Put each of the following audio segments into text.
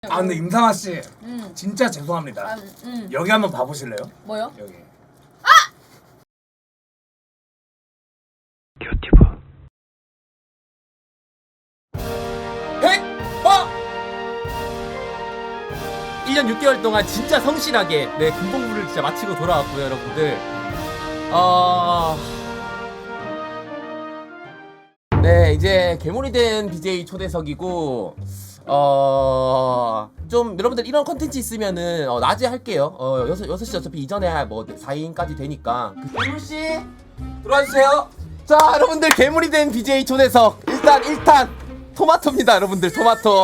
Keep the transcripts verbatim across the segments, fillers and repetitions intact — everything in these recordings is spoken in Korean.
아 근데 임상아 씨, 응. 진짜 죄송합니다. 아, 응. 여기 한번 봐보실래요? 뭐요? 여기. 큐티브 백퍼! 일 년 육 개월 동안 진짜 성실하게 네 군복무를 진짜 마치고 돌아왔고요, 여러분들. 어... 네, 이제 괴물이 된 비제이 초대석이고 어... 좀 여러분들 이런 컨텐츠 있으면은 어, 낮에 할게요. 어, 여섯, 여섯 시 어차피 이전에 뭐 사 인까지 되니까. 괴물씨 들어와주세요. 자, 여러분들 괴물이 된 비제이 초대석 일단 일 탄 토마토입니다, 여러분들. 토마토.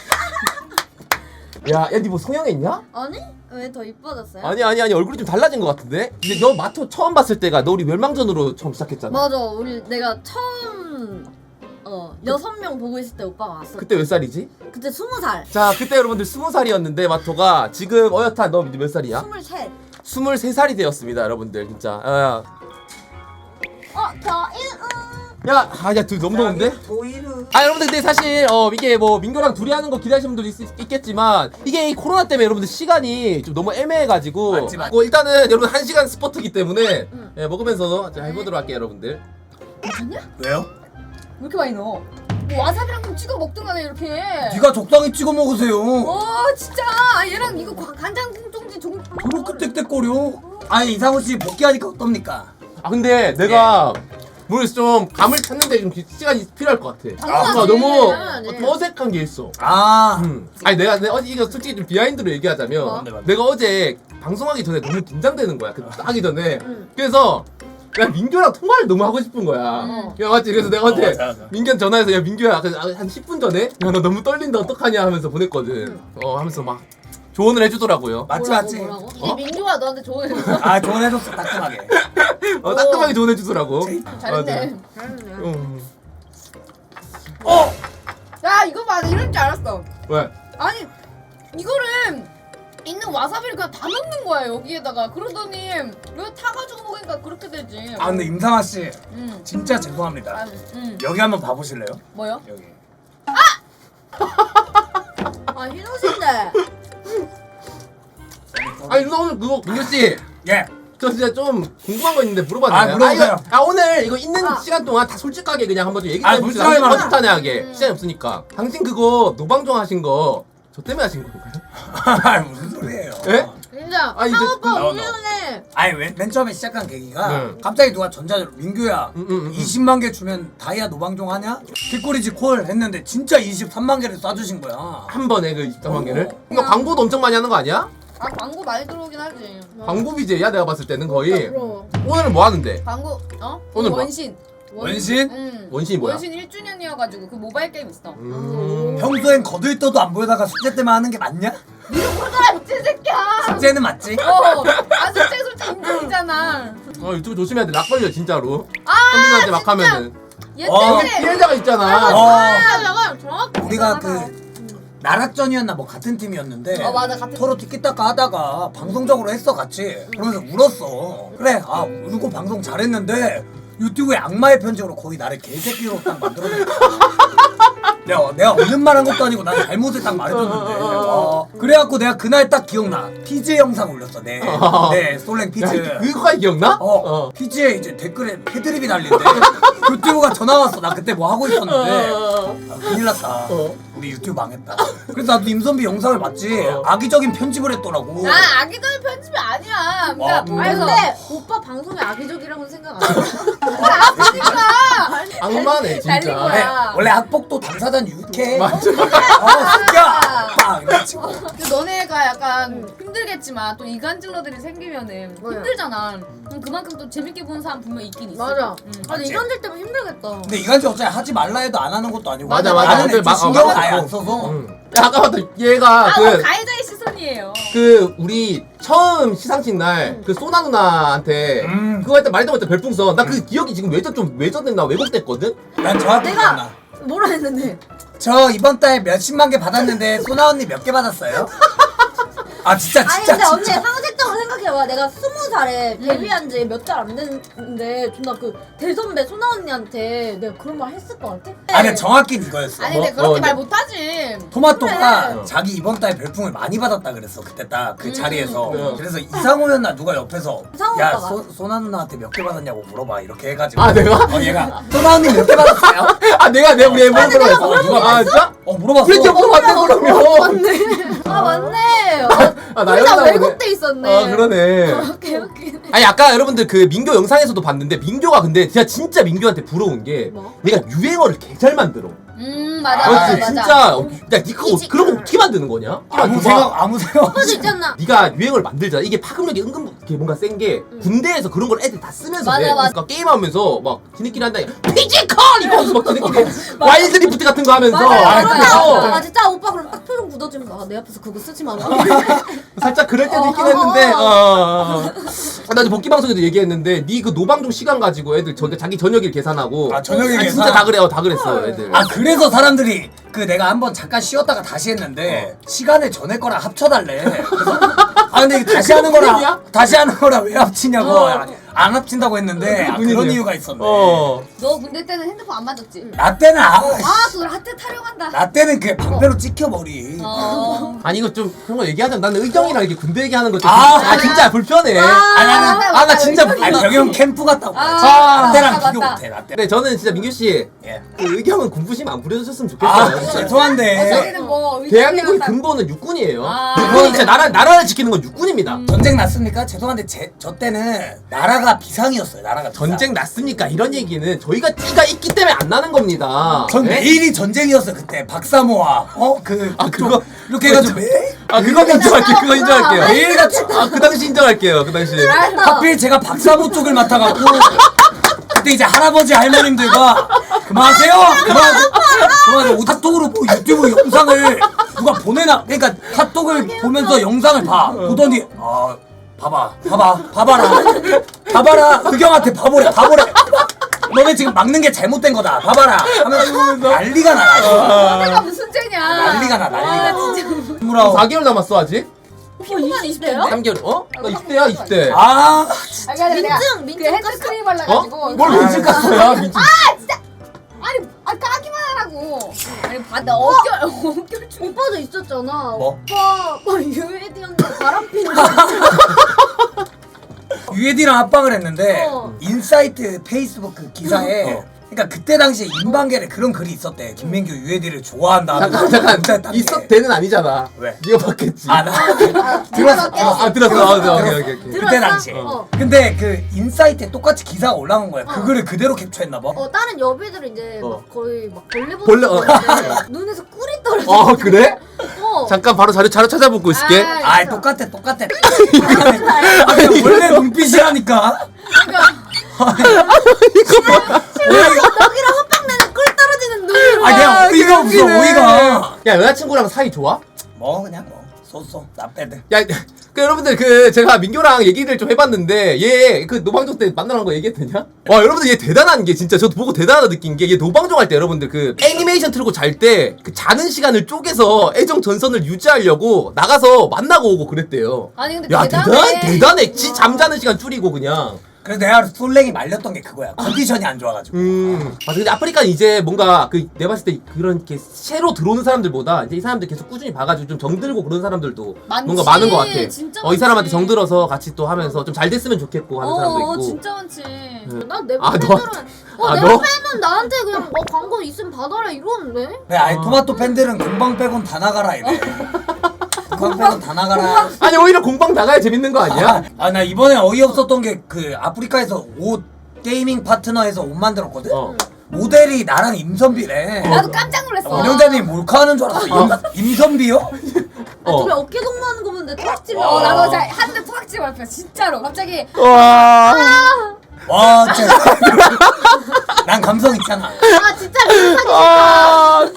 야, 야, 니 뭐 성형했냐? 아니? 왜 더 이뻐졌어요? 아니 아니 아니 얼굴이 좀 달라진 것 같은데? 근데 너 마토 처음 봤을 때가 너 우리 멸망전으로 처음 시작했잖아. 맞아. 우리 내가 처음 어 여섯 명 보고 있을 때 오빠가 왔어. 그때 몇 살이지? 그때 스무 살. 자, 그때 여러분들 스무 살이었는데 마토가 지금 어엿한 너 몇 살이야? 스물셋. 스물세 살이 되었습니다, 여러분들. 진짜. 야, 어, 저 일. 야, 아, 야, 둘 너무 더운데? 도이르. 아, 여러분들 근데 사실 어 이게 뭐 민규랑 둘이 하는 거 기대하시는 분들도 있, 있겠지만 이게 이 코로나 때문에 여러분들 시간이 좀 너무 애매해가지고 맞지, 맞지. 뭐 일단은 여러분 한 시간 스포트기 때문에 응. 예, 먹으면서 자, 해보도록 할게요, 여러분들. 괜찮냐? 왜요? 왜 이렇게 많이 넣어? 뭐 와사비랑 좀 찍어 먹든가 이렇게. 네가 적당히 찍어 먹으세요. 어 진짜 얘랑 이거 과- 간장 종지 종. 그렇게 땡땡거려. 아니 이상호 씨 복귀하니까 어떻습니까? 아 근데 내가 모르겠어, 좀 감을 찾는데 좀 기- 시간이 필요할 것 같아. 당연하지, 아, 너무 당연하지. 어, 좀 어색한 게 있어. 아. 음. 아니 내가, 내가 어제 이거 솔직히 좀 비하인드로 얘기하자면 뭐? 네, 맞네. 내가 어제 방송하기 전에 너무 긴장되는 거야. 그 하기 전에. 응. 그래서 야 민규랑 통화를 너무 하고 싶은 거야. 어. 야 맞지? 그래서 내가 어제 어, 맞아, 맞아. 민규한테 전화해서 야 민규야 그 한 십 분 전에 야 나 너무 떨린다 어떡하냐 하면서 보냈거든. 어 하면서 막 조언을 해주더라고요. 맞지 뭐라고, 맞지. 뭐라고? 어? 이게 민규가 너한테 조언해줬어. 아 조언해줬어 따끔하게. 어, 따끔하게 조언해주더라고. 잘했네. 맞아. 잘했네. 음. 어. 야 이거 봐, 나 이럴 줄 알았어. 왜? 아니 이거를 있는 와사비를 그냥 다 넣는 거야 여기에다가. 그러더니 이거 타가지고 먹으니까 그렇게 되지. 아 근데 임상아 씨, 응. 진짜 죄송합니다. 아, 응. 여기 한번 봐보실래요? 뭐요? 여기. 아 희노신데. 아니 너 오늘 그거 민규 씨. 예. 저 진짜 좀 궁금한 거 있는데 물어봐도 아, 돼요? 물어보세요. 이거, 아 오늘 이거 있는 아. 시간 동안 다 솔직하게 그냥 한번 좀 얘기 좀 아, 해봅시다. 솔직하게 말하자. 허심탄회하게 음. 시간이 없으니까. 당신 그거 노방종 하신 거 저 때문에 하신 건가요? 아 무슨 소리예요? 예? 진짜 아, 이제 상오빠 나와, 우리는 아니 맨, 맨 처음에 시작한 계기가 네. 갑자기 누가 전자로 민규야 음, 음, 음. 이십만 개 주면 다이아 노방종 하냐? 뒷꼬리지 콜 했는데 진짜 이십삼만 개를 쏴주신 거야. 한 번에 그 이십삼만 개를? 어. 이거 광고도 엄청 많이 하는 거 아니야? 아 광고 많이 들어오긴 하지. 광고 비제야 내가 봤을 때는 거의. 그럼. 오늘은 뭐 하는데? 광고 어? 오늘 뭐? 원신. 원신? 응. 원신이 뭐야? 원신 일 주년이어가지고 그 모바일 게임 있어. 음... 평소엔 거들떠도 안 보여다가 숙제 때만 하는 게 맞냐? 아 미친 새끼야. 숙제는 맞지? 어. 아 숙제 솔직히 인정이잖아. 어 유튜브 조심해야 돼. 락 걸려 진짜로. 아 선민한테 막 진짜. 하면은. 얘 어. 때문에. 여기 피해자가 있잖아. 어. 아 잠깐 정확히. 우리가 대단하다. 그 나락전이었나 뭐 같은 팀이었는데 어, 맞아, 같은 서로 티키타카 하다가 방송적으로 했어 같이. 그러면서 울었어. 그래 아 울고 방송 잘했는데 유튜브에 악마의 편집으로 거의 나를 개새끼로 딱 만들어낸 거야. 내가, 내가 없는 말 한 것도 아니고 난 잘못을 딱 말해줬는데 어, 그래갖고 내가 그날 딱 기억나. 피지 영상 올렸어. 네, 네 솔랭 피지. 야, 그거까지 기억나? 어, 피지에 이제 댓글에 패드립이 달린대. 유튜브가 전화 왔어. 나 그때 뭐 하고 있었는데 아, 큰일 났다. 어. 우리 유튜브 망했다. 그래서 나도 임선비 영상을 봤지. 어. 악의적인 편집을 했더라고. 아 악의적인 편집이 아니야. 그러니까 어, 음. 아니 근데 오빠 방송에 악의적이라고는 생각 안 해. 악의니까. 악마네 날린 진짜. 거야. 네, 원래 학폭도 당사자는 유쾌해. 맞아. 어, 진짜. 막 이래가지고. 근데 너네가 약간 힘들겠지만 또 이간질러들이 생기면은 뭐야? 힘들잖아. 그럼 그만큼 또 재밌게 보는 사람 분명 있긴 있어. 맞아. 응. 아니 맞지? 이간질 때문에 힘들겠다. 근데 이간질 어차피 하지 말라 해도 안 하는 것도 아니고. 맞아, 맞아. 나는 근데 애초에 마- 신경을 어, 아예 맞아. 안 써서. 응. 야 아까 봤다 얘가 아, 그 어, 가해자의 시선이에요. 그 우리 처음 시상식 날 그 소나 누나한테 음. 그거 할 때 말도 못해 별풍선 나 그 기억이 지금 외전 좀 외전됐나 왜곡됐거든? 난 정확히 내가- 기억나. 뭐라 했는데? 저 이번 달 몇십만 개 받았는데 소나 언니 몇 개 받았어요? 아 진짜 아니 진짜 근데 언니 진짜. 상식적으로 생각해 생각해봐. 내가 스무 살에 데뷔한 지 몇 달 안 됐는데 존나 그 대선배 소나 언니한테 내가 그런 말 했을 것 같아? 아니 정확히 이거였어. 아니 근데 뭐? 그렇게 어, 말 네. 못하지. 토마토가 그래. 자기 이번 달 별풍을 많이 받았다 그랬어 그때 딱 그 음. 자리에서. 네. 그래서 이상호였나 누가 옆에서 이상호 야 오빠가. 소, 소나 누나한테 몇 개 받았냐고 물어봐 이렇게 해가지고. 아, 내가? 어 얘가 소나 언니 몇 개 받았어요? 아 내가 내가 우리 앨범 내가 들어봤어. 물어봤어? 아 진짜? 어 물어봤어. 우리 기억 맞네 그러면. 맞네. 아 맞네. 어, 아, 우리 다 나였나 보네. 왜곡돼 있었네. 아 그러네. 오케이 오케이. 아니 아까 여러분들 그 민교 영상에서도 봤는데 민교가 근데 진짜 진짜 민교한테 부러운 게 뭐? 얘가 유행어를 개 잘 만들어. 음 맞아 아, 맞아 그렇지 맞아. 진짜. 어, 야 니가 이지- 그런 거 어떻게 만드는 거냐? 아무 생각 아무 생각 그거 없이. 있잖아. 네가 유행어를 만들잖아. 이게 파급력이 은근 이렇게 뭔가 센 게 군대에서 그런 걸 애들 다 쓰면서 맞아, 해. 맞아. 그러니까 게임하면서 막 지네끼리 한다. 피지컬 이러면서 막 지네끼리 와일드 리프트 같은 거 하면서 맞아. 아, 그러다. 그거. 아 진짜 오빠 그럼 딱 표정 굳어지면서 아, 내 앞에서 그거 쓰지 마라. 살짝 그럴 때도 어, 있긴 어, 했는데 어, 어, 어, 어. 아, 나 이제 복귀 방송에도 얘기했는데 니 그 노방종 시간 가지고 애들 저, 자기 저녁일 계산하고 아, 저녁일 아, 계산? 진짜 다 그래요 다 그랬어 애들. 아 그래서 사람들이 그 내가 한번 잠깐 쉬었다가 다시 했는데 시간을 전에 거랑 합쳐달래. 그래서 아 근데 이거 다시 하는 거랑 그분이야? 다시 하는 거랑 왜 합치냐고 어. 안 합친다고 했는데 아, 그런 그분이네요. 이유가 있었네. 어. 너 군대 때는 핸드폰 안 맞았지? 나 때는 아, 아 그걸 한테 타령한다. 나 때는 그 방패로 찍혀 머리. 어. 아니 이거 좀 그런 거 얘기하자면 나는 의경이랑 이렇게 군대 얘기하는 거좀 아, 아, 진짜 불편해. 아니 아니 맞다, 아 나 진짜 맞다. 아니 병이 형 캠프 갔다고. 아, 나 때랑 맞다, 비교 맞다. 못해 나 때. 근데 저는 진짜 민규 씨, 예. 그 의경은 군부심 안 부려주셨으면 좋겠어요. 아 진짜. 죄송한데 저희는 뭐 대한민국의 의견이랑 근본은 육군이에요. 아. 육군이 진짜 나라 나라를 지키는 건 육군입니다. 전쟁 났습니까? 죄송한데 제, 저 때는 나라가 비상이었어요. 나라가 비상. 전쟁 났습니까? 이런 얘기는 저희가 띠가 있기 때문에 안 나는 겁니다. 전 네? 매일이 전쟁이었어 그때 박사모아 어그 아, 그거- 이렇게 해가지고 매일 아 그건 인정할게요. 그거 인정할게요. 매일 같이 아 그 당시 인정할게요. 그 당시. 하필 제가 박사모 쪽을 맡아갖고 그때 이제 할아버지 할머님들과 그만하세요 그만 그만하세요 카톡으로 뭐 유튜브 영상을 누가 보내나 그러니까 카톡을 보면서 영상을 봐 보더니 아 봐봐 봐봐 봐봐라 봐봐라 의경한테 봐보래 봐보래 너네 지금 막는 게 잘못된 거다 봐봐라 하면서 난리가 나 내가 무슨 죄냐? 난리가 나 난리가 아, 진짜. 스물아홉 사 개월 남았어 아직? 피부만 이십 대요? 삼 개월. 어? 나 이십 대야 이십 대. 아 아, 그러니까 내가 민증, 그 민증 핸드크림 어? 발라가지고. 뭘 민증 깠어야 민증. 아니, 아 까기만 하라고. 아니, 받아 어깨 어깨 좀. 오빠도 있었잖아. 뭐? 오빠 뭐 유해디 언니 바람 피는 유에디랑 합방을 했는데 어. 인사이트 페이스북 그 기사에 어. 그러니까 그때 당시에 인방계에 그런 글이 있었대. 김민규 유에디를 좋아한다. 잠깐 잠깐 있었 대는 아니잖아. 왜? 네가 봤겠지. 아 나 아, 들었어. 들었어. 아, 아 들었어. 아, 오케이 오케이 오케이. 오케이. 들었어? 그때 당시에. 어. 근데 그 인사이트에 똑같이 기사가 올라온 거야. 어. 그거를 그대로 캡처했나 봐. 어 다른 여배들은 이제 어. 막 거의 막 벌레 보는 벌레, 어. 거 같은데 눈에서 꿀이 떨어져. 어 그래? 어. 잠깐 바로 자료 자료 찾아보고 있을게. 아, 아 똑같아 똑같아. 아니, 원래 눈빛이라니까. 여기랑 헛방 내는 꿀 떨어지는 눈. 아 그냥 아, 어이가 없어 웃기네. 어이가. 야 여자친구랑 사이 좋아? 뭐 그냥 뭐 쏘쏘 나 빼드. 야, 그 여러분들 그 제가 민교랑 얘기를 좀 해봤는데 얘 그 노방종 때 만나는 거 얘기했더냐? 와 여러분들 얘 대단한 게 진짜 저도 보고 대단하다 느낀 게 얘 노방종 할 때 여러분들 그 애니메이션 틀고 잘 때 그 자는 시간을 쪼개서 애정 전선을 유지하려고 나가서 만나고 오고 그랬대요. 아니 근데 야 대단해. 대단 대단해. 지 잠자는 시간 줄이고 그냥. 그래서 내가 솔랭이 말렸던 게 그거야. 컨디션이 안 좋아가지고. 음. 맞아. 근데 아프리카는 이제 뭔가 그 내가 봤을 때 그런 이렇게 새로 들어오는 사람들보다 이제 이 사람들 계속 꾸준히 봐가지고 좀 정들고 그런 사람들도 많지. 뭔가 많은 것 같아. 진짜 어, 이 사람한테 많지. 정들어서 같이 또 하면서 좀 잘 됐으면 좋겠고 하는 사람도 어, 있고. 진짜 많지. 난내 아, 너? 팬들은 어, 아, 내 너? 팬은 나한테 그냥 어 광고 있으면 받아라 이러는데. 그래 아니 토마토 팬들은 공방 빼곤 다 나가라 이래. 공방 빼곤 다 나가라. 아니 오히려 공방 나가야 재밌는 거 아니야? 아 나 이번에 어이없었던 게 그 아프리카에서 옷 게이밍 파트너에서 옷 만들었거든? 어. 모델이 나랑 임선비래. 나도 깜짝 놀랐어. 원영자님 몰카하는 줄 알았어. 임, 임선비요? 아, 어. 둘이 어깨 동무하는 거 보는데 턱집이 어, 와. 나도 자, 한대 토닥지 말표 진짜로 갑자기 와. 와 진짜. 난 감성 있잖아. 아 진짜 미사기 아.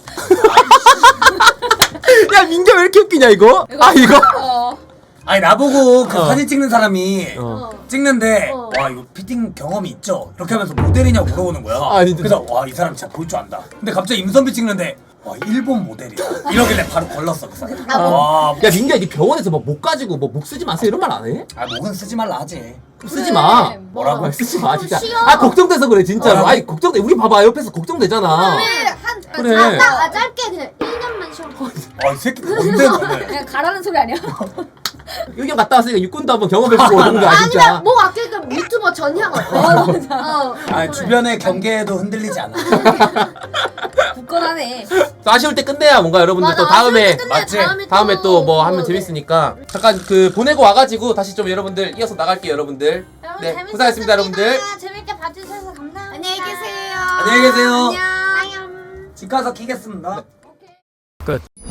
야 민규 왜 이렇게 웃기냐 이거? 아 이거? 어. 아니 나보고 그 어. 사진 찍는 사람이 어. 찍는데 어. 와 이거 피팅 경험이 있죠? 이렇게 하면서 모델이냐고 물어보는 거야. 아니, 그래서 와 이 사람 진짜 볼 줄 안다. 근데 갑자기 임선비 찍는데 와 일본 모델이야. 이러길래 바로 걸렀어 그 사람. 아, 뭐. 와, 야 민규야 니 병원에서 뭐 목 가지고 뭐 목 쓰지 마세요 이런 말 안 해? 아 목은 쓰지 말라 하지. 쓰지 마. 뭐라고? 아, 쓰지 마 좀 진짜. 쉬어. 아 걱정돼서 그래 진짜로. 뭐라고? 아니 걱정돼. 우리 봐봐 옆에서 걱정되잖아. 한 그래. 아, 나 아, 짧게 그냥 일 년만 쉬어. 아이 새끼 뭔데 너네. 그냥 가라는 소리 아니야? 의견 갔다 왔으니까 육군도 한번 경험해보고 오는 거야 진짜. 아니면 목 아끼니까 유튜버 전향 어때? 어, 아 주변의 경계에도 흔들리지 않아. 굳건하네. 또 아쉬울 때 끝내야 뭔가 여러분들 또 맞아, 다음에 아쉬울 때 끝내, 맞지? 다음에 다음에 또 뭐 그거, 하면 네. 재밌으니까 잠깐 그 보내고 와가지고 다시 좀 여러분들 이어서 나갈게요 여러분들. 여러분, 네 재밌었습니다. 고생하셨습니다 여러분들. 재밌게 봐주셔서 감사합니다. 안녕히 계세요. 안녕히 계세요. 안녕. 집 가서 키겠습니다. 오케이. 끝.